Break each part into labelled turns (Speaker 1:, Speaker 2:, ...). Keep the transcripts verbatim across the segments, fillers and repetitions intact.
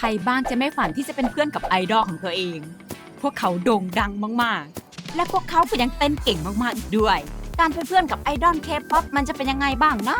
Speaker 1: รบ้างจะไม่ฝันที่จะเป็นเพื่อนกับไอดอลของเธอเอง พวกเขาโด่งดังมากๆ และพวกเขาก็ยังเต้นเก่งมากๆอีกด้วย การเป็นเพื่อนกับไอดอลเคป๊อปมันจะเป็นยังไงบ้างนะ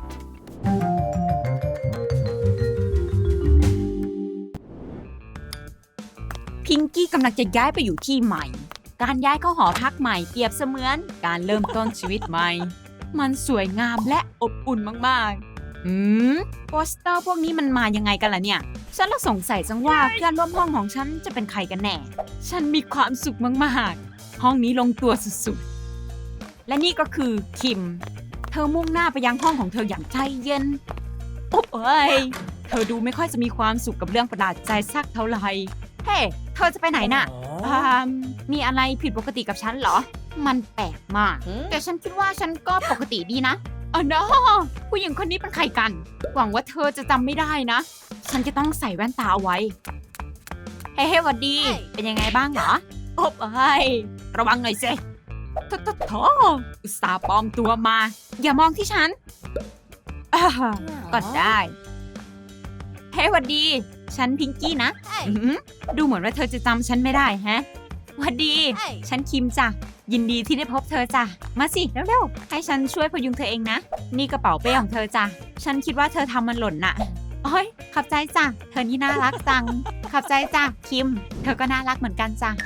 Speaker 1: พิงกี้กำลังจะย้ายไปอยู่ที่ใหม่ การย้ายเข้าหอพักใหม่เปรียบเสมือนการเริ่มต้นชีวิตใหม่ มันสวยงามและอบอุ่นมากๆหืมโปสเตอร์พวกนี้มันมายังไงกันล่ะเนี่ย ฉันละสงสัยจังว่าเพื่อนร่วมห้องของฉันจะเป็นใครกันแน่ ฉันมีความสุขมากๆ ห้องนี้ลงตัวสุดๆ และนี่ก็คือคิม เธอมุ่งหน้าไปยังห้องของเธออย่างใจเย็นโอ๊บเอ้ย เธอดูไม่ค่อยจะมีความสุขกับเรื่องประหลาดใจสักเท่าไหร่ เฮ้ เธอจะไปไหนน่ะอ่ามีอะไรผิดปกติกับฉันเหรอ มันแปลกมาก แต่ฉันคิดว่าฉันก็ปกติดีนะอ๋อนะผู้หญิงคนนี้เป็นใครกัน หวังว่าเธอจะจำไม่ได้นะ ฉันจะต้องใส่แว่นตาเอาไว้ เฮ้เฮ้หวัดดี เป็นยังไงบ้างเหรอโอ๊บเอ้ย ระวังหน่อยสิโถโถโถอุตส่าห์ปลอมตัวมา อย่ามองที่ฉันอ่าก็ได้ เฮ้หวัดดี ฉันพิงกี้นะอื้อหือดูเหมือนว่าเธอจะจำฉันไม่ได้แฮะหวัดดี ฉันคิมจ้ะ ยินดีที่ได้พบเธอจ้ะ มาสิเร็วๆ ให้ฉันช่วยพยุงเธอเองนะ นี่กระเป๋าเป้ของเธอจ้ะ ฉันคิดว่าเธอทำมันหล่นน่ะโอ้ยขอบใจจ้ะ เธอนี่น่ารักจัง ขอบใจจ้ะ คิม เธอก็น่ารักเหมือนกันจ้ะ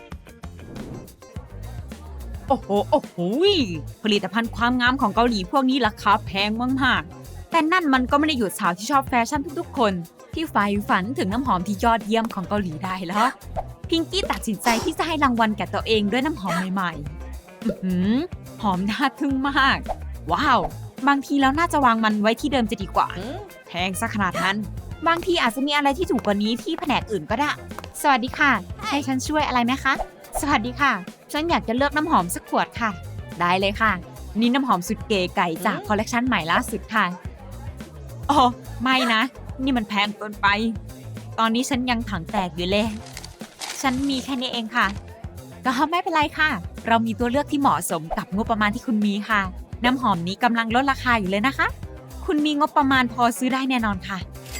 Speaker 1: โอ้โห โอ้โห ผลิตภัณฑ์ความงามของเกาหลีพวกนี้ราคาแพงมากๆ แต่นั่นมันก็ไม่ได้หยุดสาวที่ชอบแฟชั่นทุกๆคน ที่ใฝ่ฝันถึงน้ำหอมที่ยอดเยี่ยมของเกาหลีได้แล้วพิงกี้ตัดสินใจที่จะให้รางวัลแก่ตัวเองด้วยน้ำหอมใหม่ๆอื้อหือหอมน่าทึ่งมาก ว้าว บางทีแล้วน่าจะวางมันไว้ที่เดิมจะดีกว่า แพงซะขนาดนั้น บางทีอาจจะมีอะไรที่ถูกกว่านี้ที่แผนกอื่นก็ได้ สวัสดีค่ะ ให้ฉันช่วยอะไรไหมคะ สวัสดีค่ะ ฉันอยากจะเลือกน้ำหอมสักขวดค่ะ ได้เลยค่ะ นี่น้ำหอมสุดเก๋ไก่จากคอลเลกชันใหม่ล่าสุดค่ะโอ้ไม่นะ นี่มันแพงเกินไป ตอนนี้ฉันยังถังแตกอยู่เลย ฉันมีแค่นี้เองค่ะ ก็ไม่เป็นไรค่ะ เรามีตัวเลือกที่เหมาะสมกับงบประมาณที่คุณมีค่ะ น้ำหอมนี้กำลังลดราคาอยู่เลยนะคะ คุณมีงบประมาณพอซื้อได้แน่นอนค่ะ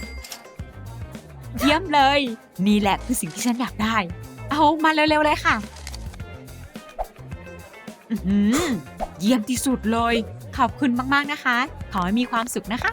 Speaker 1: เยี่ยมเลย นี่แหละคือสิ่งที่ฉันอยากได้ เอามาเร็วๆเลยค่ะอื้อหือเยี่ยมที่สุดเลย ขอบคุณมากๆนะคะ ขอให้มีความสุขนะคะ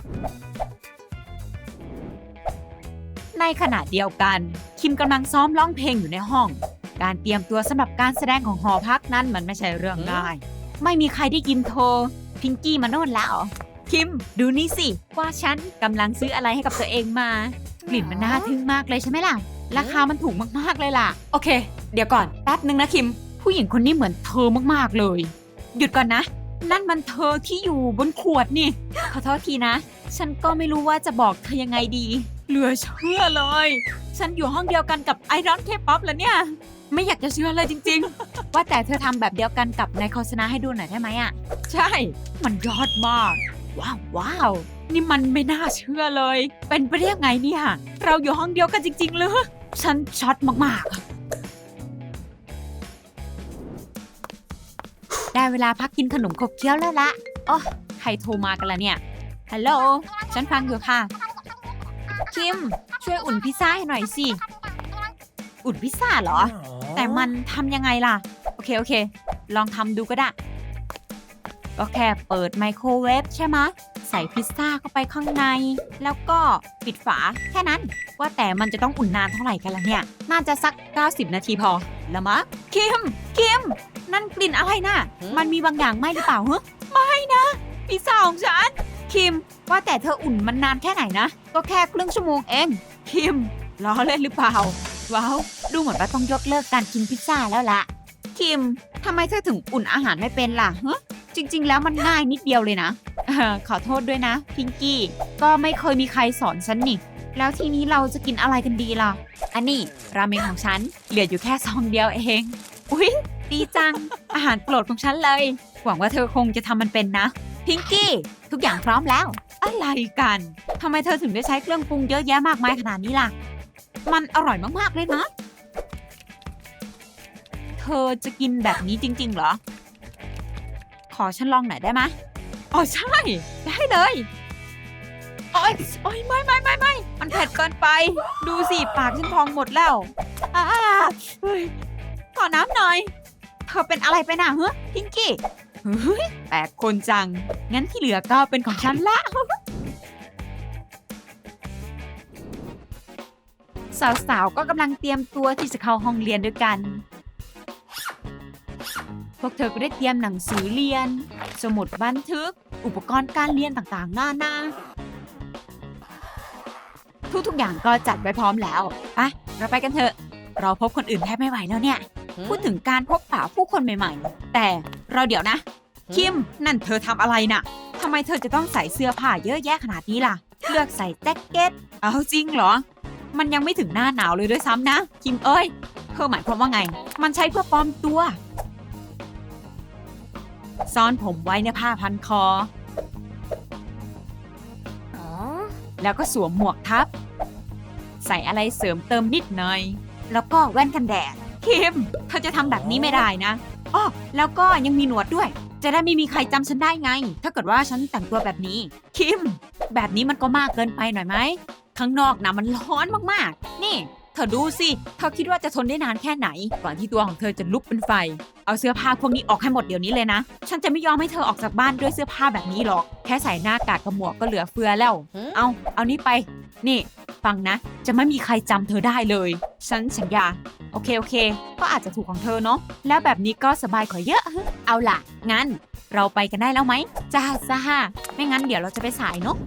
Speaker 1: ในขณะเดียวกัน คิมกำลังซ้อมร้องเพลงอยู่ในห้อง การเตรียมตัวสำหรับการแสดงของหอพักนั้นมันไม่ใช่เรื่องง่าย ไม่มีใครได้ยินโทรพิงกี้มาโน่นแล้ว คิมดูนี่สิว่าฉันกำลังซื้ออะไรให้กับตัวเองมา กลิ่นมันน่าทึ่งมากเลยใช่ไหมล่ะ ราคามันถูกมากๆเลยล่ะ โอเค เดี๋ยวก่อนแป๊บนึงนะคิม ผู้หญิงคนนี้เหมือนเธอมากๆเลย หยุดก่อนนะ นั่นมันเธอที่อยู่บนขวดนี่ขอโทษทีนะ ฉันก็ไม่รู้ว่าจะบอกเธอยังไงดี เหลือเชื่อเลย ฉันอยู่ห้องเดียวกันกับไอดอลเคป๊อปแล้วเนี่ย ไม่อยากจะเชื่อเลยจริงๆ ว่าแต่เธอทำแบบเดียวกันกับในโฆษณาให้ดูหน่อยได้ไหมอ่ะ ใช่ มันยอดมาก ว้าวว้าว นี่มันไม่น่าเชื่อเลย เป็นไปได้ยังไงเนี่ย เราอยู่ห้องเดียวกันจริงๆเลยฉันช็อตมากๆ ได้เวลาพักกินขนมขบเคี้ยวแล้วละโอ้ใครโทรมากันล่ะเนี่ย ฮัลโหล ฉันฟังอยู่ค่ะ คิม ช่วยอุ่นพิซซ่าให้หน่อยสิ อุ่นพิซซ่าเหรอ แต่มันทำยังไงล่ะ โอเคโอเค ลองทำดูก็ได้ ก็แค่เปิดไมโครเวฟใช่ไหมะ ใส่พิซซ่าเข้าไปข้างใน แล้วก็ปิดฝาแค่นั้น ว่าแต่มันจะต้องอุ่นนานเท่าไหร่กันล่ะเนี่ย น่าจะสักเก้าสิบนาทีพอละมะ คิม คิม นั่นกลิ่นอะไรน่ะ มันมีบางอย่างไหมหรือเปล่าฮะไม่นะพิซซ่าของฉัน คิม ว่าแต่เธออุ่นมันนานแค่ไหนนะ ก็แค่ครึ่งชั่วโมงเอง คิม ล้อเล่นหรือเปล่า ว้าว ดูเหมือนว่าต้องยกเลิกการกินพิซซ่าแล้วล่ะ คิม ทำไมเธอถึงอุ่นอาหารไม่เป็นล่ะฮะจริงๆแล้วมันง่ายนิดเดียวเลยนะเออขอโทษด้วยนะพิงกี้ ก็ไม่เคยมีใครสอนฉันนี่ แล้วทีนี้เราจะกินอะไรกันดีล่ะ อันนี้ราเมงของฉันเหลืออยู่แค่ซองเดียวเอง อุ๊ย ดีจัง อาหารโปรดของฉันเลย หวังว่าเธอคงจะทำมันเป็นนะ พิงกี้ ทุกอย่างพร้อมแล้ว อะไรกัน ทำไมเธอถึงได้ใช้เครื่องปรุงเยอะแยะมากมายขนาดนี้ล่ะ มันอร่อยมากๆเลยนะ เธอจะกินแบบนี้จริงๆเหรอ ขอฉันลองหน่อยได้ไหมอ๋อใช่ ได้เลย โอ๊ยโอ๊ยไม่ไม่ไม่ไม่มันเผ็ดเกินไป ดูสิปากฉันพองหมดแล้วอ่าเฮ้ยขอน้ำหน่อย เธอเป็นอะไรไปน่ะเฮ้พิงกี้เฮ้ยแปลกคนจัง งั้นที่เหลือก็เป็นของฉันละ สาวๆ ก็กำลังเตรียมตัวที่จะเข้าห้องเรียนด้วยกัน พวกเธอก็ได้เตรียมหนังสือเรียน สมุดบันทึก อุปกรณ์การเรียนต่างๆ หน้าหน้า ทุกๆ อย่างก็จัดไว้พร้อมแล้วไปเราไปกันเถอะ เราพบคนอื่นแทบไม่ไหวแล้วเนี่ย พูดถึงการพบปะผู้คนใหม่ๆ แต่เราเดี๋ยวนะ คิม นั่นเธอทำอะไรน่ะทำไมเธอจะต้องใส่เสื้อผ้าเยอะแยะขนาดนี้ล่ะ เลือกใส่แจ็คเก็ต เอาจริงเหรอ มันยังไม่ถึงหน้าหนาวเลยด้วยซ้ำนะ คิมเอ้ย เธอหมายความว่าไง มันใช้เพื่อปลอมตัว ซ่อนผมไว้ในผ้าพันคอ แล้วก็สวมหมวกทับ ใส่อะไรเสริมเติมนิดหน่อย แล้วก็แว่นกันแดด คิม เธอจะทำแบบนี้ไม่ได้นะอ้อแล้วก็ยังมีหนวดด้วย จะได้ไม่มีใครจำฉันได้ไง ถ้าเกิดว่าฉันแต่งตัวแบบนี้ คิม แบบนี้มันก็มากเกินไปหน่อยไหม ข้างนอกนะมันร้อนมากๆ นี่ เธอดูสิ เธอคิดว่าจะทนได้นานแค่ไหน ก่อนที่ตัวของเธอจะลุกเป็นไฟ เอาเสื้อผ้าพวกนี้ออกให้หมดเดี๋ยวนี้เลยนะ ฉันจะไม่ยอมให้เธอออกจากบ้านด้วยเสื้อผ้าแบบนี้หรอก แค่ใส่หน้ากากกับหมวกก็เหลือเฟือแล้ว เอา เอานี่ไป นี่ ฟังนะ จะไม่มีใครจำเธอได้เลย ฉันสัญญา โอเคโอเค ก็อาจจะถูกของเธอเนาะ แล้วแบบนี้ก็สบายกว่าเยอะ เอาล่ะ งั้น เราไปกันได้แล้วไหม จ้าจ้าไม่งั้นเดี๋ยวเราจะไปสายเนาะ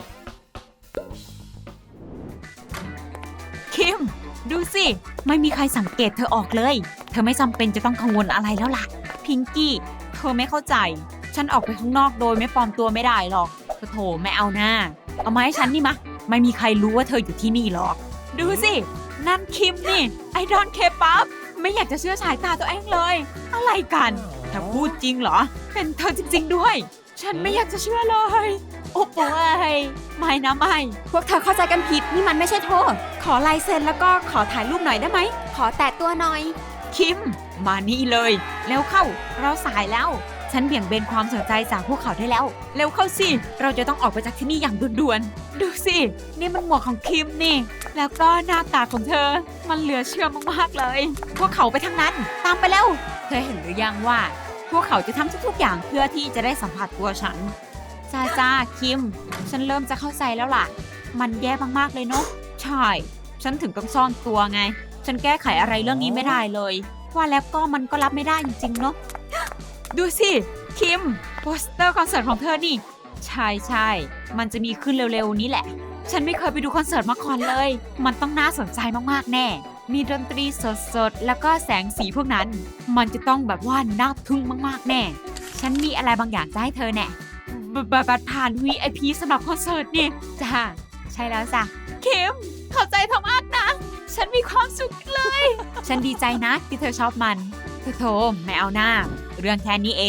Speaker 1: คิม ดูสิ ไม่มีใครสังเกตเธอออกเลย เธอไม่จำเป็นจะต้องกังวลอะไรแล้วล่ะ พิงกี้ เธอไม่เข้าใจ ฉันออกไปข้างนอกโดยไม่ปลอมตัวไม่ได้หรอกโถไม่เอาหน้า เอามาให้ฉันนี่มะ ไม่มีใครรู้ว่าเธออยู่ที่นี่หรอก ดูสิ นั่นคิมนี่ ไอดอลเคป๊อป ไม่อยากจะเชื่อสายตาตัวเองเลย อะไรกันเธอพูดจริงเหรอ เป็นเธอจริงๆด้วย ฉันไม่อยากจะเชื่อเลย โอ้โหไม่นะไม่ พวกเธอเข้าใจกันผิด นี่มันไม่ใช่โทษ ขอลายเซ็นแล้วก็ขอถ่ายรูปหน่อยได้ไหม ขอแตะตัวหน่อย คิม มานี่เลย แล้วเข้า เราสายแล้ว ฉันเบี่ยงเบนความสนใจจากพวกเขาได้แล้ว เร็วเข้าสิ เราจะต้องออกไปจากที่นี่อย่างด่วนๆ ดูสิ นี่มันหมวกของคิมนี่ แล้วก็หน้าตาของเธอ มันเหลือเชื่อมากๆเลย พวกเขาไปทางนั้น ตามไปแล้ว เธอเห็นหรือยังว่า พวกเขาจะทำทุกๆอย่างเพื่อที่จะได้สัมผัสตัวฉัน จ้าจ้าคิม ฉันเริ่มจะเข้าใจแล้วล่ะ มันแย่มากๆเลยเนาะ ใช่ ฉันถึงต้องซ่อนตัวไง ฉันแก้ไขอะไรเรื่องนี้ไม่ได้เลย ว่าแล้วก็มันก็รับไม่ได้จริงๆเนาะ ดูสิ คิม โปสเตอร์คอนเสิร์ตของเธอนี่ ใช่ใช่มันจะมีขึ้นเร็วๆนี้แหละ ฉันไม่เคยไปดูคอนเสิร์ตมาก่อนเลย มันต้องน่าสนใจมากๆแน่ มีดนตรีสดๆ แล้วก็แสงสีพวกนั้น มันจะต้องแบบว่าน่าทึ่งมากๆแน่ ฉันมีอะไรบางอย่างจะให้เธอแน่บัตรผ่าน วี ไอ พี สำหรับคอนเสิร์ตนี่ จ้า ใช่แล้วจ้ะ คิม เข้าใจเธอมากนะ ฉันมีความสุขเลย ฉันดีใจนะที่เธอชอบมันโธ่ไม่เอาหน้า เรื่องแค่นี้เอง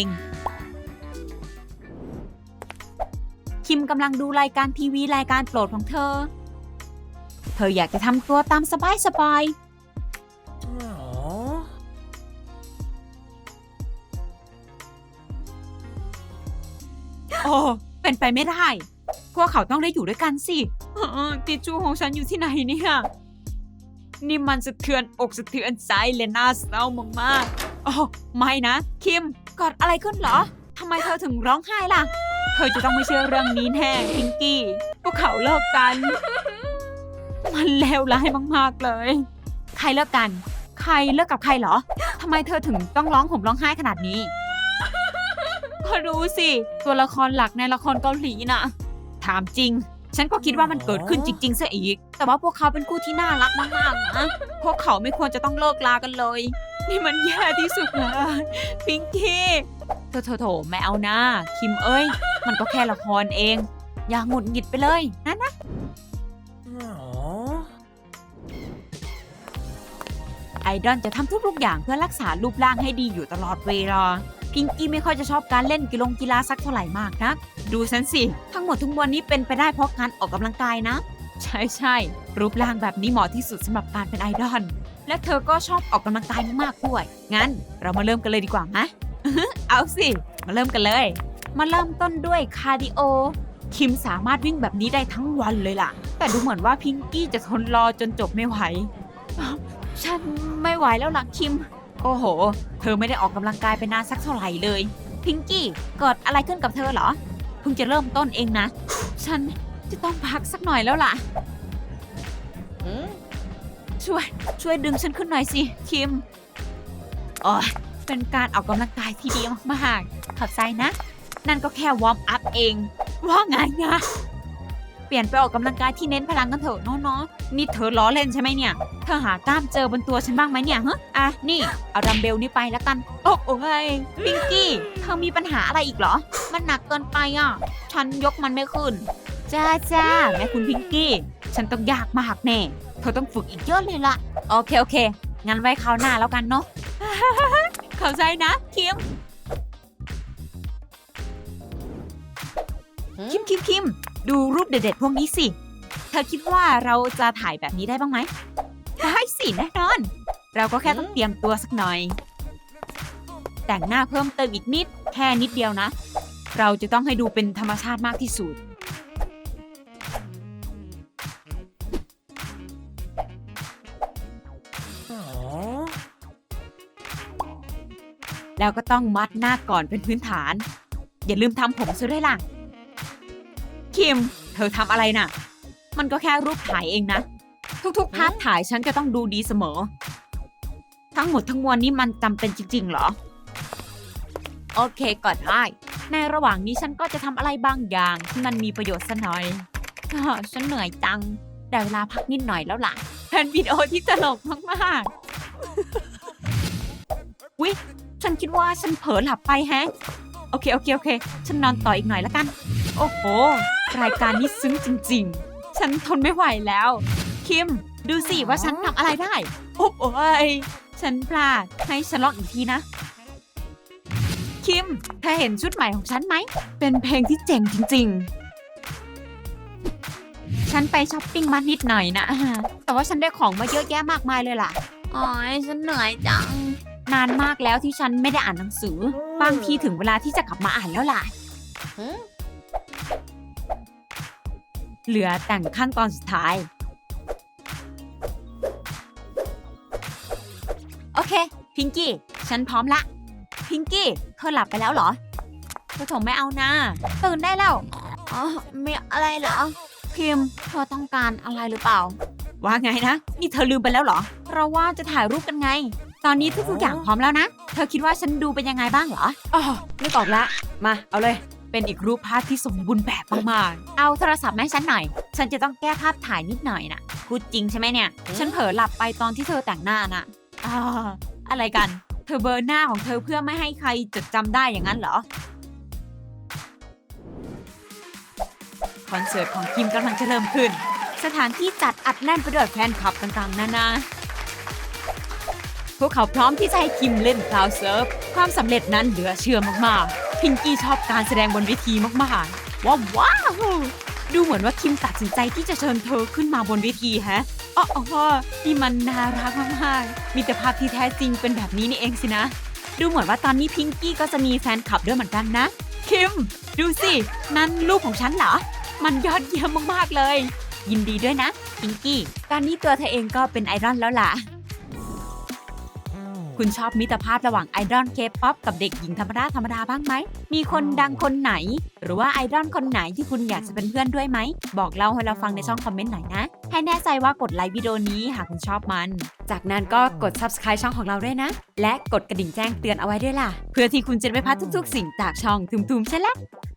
Speaker 1: คิมกำลังดูรายการทีวีรายการโปรดของเธอ เธออยากจะทำตัวตามสบายสบายโอ้เป็นไปไม่ได้ พวกเขาต้องได้อยู่ด้วยกันสิทิชชู่ของฉันอยู่ที่ไหนเนี่ยนี่มันสะเทือนอกสะเทือนใจเลยน่าเศร้ามากๆโอ้ไม่นะคิมเกิดอะไรขึ้นเหรอทำไมเธอถึงร้องไห้ล่ะเธอจะต้องไม่เชื่อเรื่องนี้แน่พิงกี้พวกเขาเลิกกันมันเลวร้ายมากๆเลยใครเลิกกันใครเลิกกับใครเหรอทำไมเธอถึงต้องร้องห่มร้องไห้ขนาดนี้ก็รู้สิตัวละครหลักในละครเกาหลีน่ะถามจริงฉันก็คิดว่ามันเกิดขึ้นจริงๆซะอีกแต่ว่าพวกเขาเป็นคู่ที่น่ารักมากๆนะพวกเขาไม่ควรจะต้องเลิกลากันเลยนี่มันแย่ที่สุดเลยพิงกี้โถโถโถไม่เอานะคิมเอ้ยมันก็แค่ละครเองอย่าหงุดหงิดไปเลยนะนะไอดอลจะทำทุกๆอย่างเพื่อรักษารูปร่างให้ดีอยู่ตลอดเวลาพิงกี้ไม่ค่อยจะชอบการเล่นกีฬากีฬาสักเท่าไหร่มากนะดูฉันสิทั้งหมดทั้งมวลนี้เป็นไปได้เพราะการออกกำลังกายนะใช่ใช่รูปร่างแบบนี้เหมาะที่สุดสำหรับการเป็นไอดอลและเธอก็ชอบออกกำลังกายมากๆด้วยงั้นเรามาเริ่มกันเลยดีกว่านะ เอาสิมาเริ่มกันเลยมาเริ่มต้นด้วยคาร์ดิโอคิมสามารถวิ่งแบบนี้ได้ทั้งวันเลยล่ะแต่ดูเหมือนว่าพิงกี้จะทนรอจนจบไม่ไหวฉันไม่ไหวแล้วล่ะคิมโอ้โหเธอไม่ได้ออกกำลังกายไปนานสักเท่าไหร่เลยพิงกี้เกิดอะไรขึ้นกับเธอเหรอเพิ่งจะเริ่มต้นเองนะฉันจะต้องพักสักหน่อยแล้วล่ะช่วยช่วยดึงฉันขึ้นหน่อยสิคิมโอ้ยเป็นการออกกำลังกายที่ดีมากๆขอบใจนะนั่นก็แค่วอร์มอัพเองว่าไงนะเปลี่ยนไปออกกำลังกายที่เน้นพลังกันเถอะน้องๆนี่เธอล้อเล่นใช่ไหมเนี่ยเธอหากล้ามเจอบนตัวฉันบ้างไหมเนี่ยฮะอ่ะนี่เอาดัมเบลนี่ไปแล้วกันโอ้โอ้ยพิงกี้เธอมีปัญหาอะไรอีกเหรอมันหนักเกินไปอ่ะฉันยกมันไม่ขึ้นจ้าจ้าแม่คุณพิงกี้ฉันต้องยากมากแน่เธอต้องฝึกอีกเยอะเลยล่ะโอเคโอเคงั้นไว้คราวหน้าแล้วกันเนาะ เข้าใจนะคิมคิมคิมคิมดูรูปเด็ดๆพวกนี้สิเธอคิดว่าเราจะถ่ายแบบนี้ได้บ้างไหมได้สิแน่นอนเราก็แค่ต้องเตรียมตัวสักหน่อยแต่งหน้าเพิ่มเติมอีกนิดแค่นิดเดียวนะเราจะต้องให้ดูเป็นธรรมชาติมากที่สุดแล้วก็ต้องมัดหน้าก่อนเป็นพื้นฐานอย่าลืมทำผมซะด้วยล่ะคิมเธอทำอะไรน่ะมันก็แค่รูปถ่ายเองนะทุกๆภาพถ่ายฉันจะต้องดูดีเสมอทั้งหมดทั้งมวลนี้มันจำเป็นจริงๆเหรอโอเคก็ได้ในระหว่างนี้ฉันก็จะทำอะไรบางอย่างที่มันมีประโยชน์ซะหน่อยอ้อฉันเหนื่อยจังได้เวลาพักนิดหน่อยแล้วล่ะเป็นวิดีโอที่ตลกมากๆวิฉันคิดว่าฉันเผลอหลับไปแฮะโอเคโอเคโอเคฉันนอนต่ออีกหน่อยแล้วกันโอ้โหรายการนี้ซึ้งจริงๆฉันทนไม่ไหวแล้วคิมดูสิว่าฉันทำอะไรได้โอ้โอยฉันพลาดให้ฉันลองอีกทีนะคิมเธอเห็นชุดใหม่ของฉันไหมเป็นเพลงที่เจ๋งจริงๆฉันไปช้อปปิ้งมานิดหน่อยนะแต่ว่าฉันได้ของมาเยอะแยะมากมายเลยล่ะอ๋อยฉันเหนื่อยจังนานมากแล้วที่ฉันไม่ได้อ่านหนังสือบางทีถึงเวลาที่จะกลับมาอ่านแล้วล่ะเหลือแต่งขั้นตอนสุดท้ายโอเคพิงกี้ฉันพร้อมละพิงกี้เธอหลับไปแล้วเหรอเธอถมไม่เอานะตื่นได้แล้วอ๋อมีอะไรเหรอพิมเธอต้องการอะไรหรือเปล่าว่าไงนะนี่เธอลืมไปแล้วเหรอเราว่าจะถ่ายรูปกันไงตอนนี้ทุกๆอย่างพร้อมแล้วนะเธอคิดว่าฉันดูเป็นยังไงบ้างเหรออ๋อนึกออกละมาเอาเลยเป็นอีกรูปภาพที่สมบูรณ์แบบมากๆเอาโทรศัพท์มาให้ฉันหน่อยฉันจะต้องแก้ภาพถ่ายนิดหน่อยนะพูดจริงใช่ไหมเนี่ยฉันเผลอหลับไปตอนที่เธอแต่งหน้าน่ะอ่าอะไรกันเธอเบลอหน้าของเธอเพื่อไม่ให้ใครจดจำได้อย่างนั้นเหรอคอนเสิร์ตของคิมกำลังจะเริ่มขึ้นสถานที่จัดอัดแน่นไปด้วยแฟนคลับต่างๆนานาพวกเขาพร้อมที่จะให้คิมเล่นคลาวด์เซิร์ฟความสำเร็จนั้นเหลือเชื่อมากๆพิงกี้ชอบการแสดงบนเวทีมากๆว้าวว้าวดูเหมือนว่าคิมตัดสินใจที่จะเชิญเธอขึ้นมาบนเวทีฮะอ๋ออ๋อนี่มันน่ารักมากๆมิตรภาพที่แท้จริงเป็นแบบนี้นี่เองสินะดูเหมือนว่าตอนนี้พิงกี้ก็จะมีแฟนคลับด้วยเหมือนกันนะคิมดูสินั่นลูกของฉันเหรอมันยอดเยี่ยมมากๆเลยยินดีด้วยนะพิงกี้ตอนนี้ตัวเธอเองก็เป็นไอดอลแล้วล่ะคุณชอบมิตรภาพระหว่างไอดอลเคป๊อปกับเด็กหญิงธรรมดาธรรมดาบ้างไหมมีคนดังคนไหนหรือว่าไอดอลคนไหนที่คุณอยากจะเป็นเพื่อนด้วยไหมบอกเล่าให้เราฟังในช่องคอมเมนต์หน่อยนะให้แน่ใจว่ากดไลค์วิดีโอนี้หากคุณชอบมันจากนั้นก็กด ซับสไครบ์ ช่องของเราด้วยนะและกดกระดิ่งแจ้งเตือนเอาไว้ด้วยล่ะเพื่อที่คุณจะไม่พลาดทุกๆสิ่งจากช่องทุมๆใช่แล้ว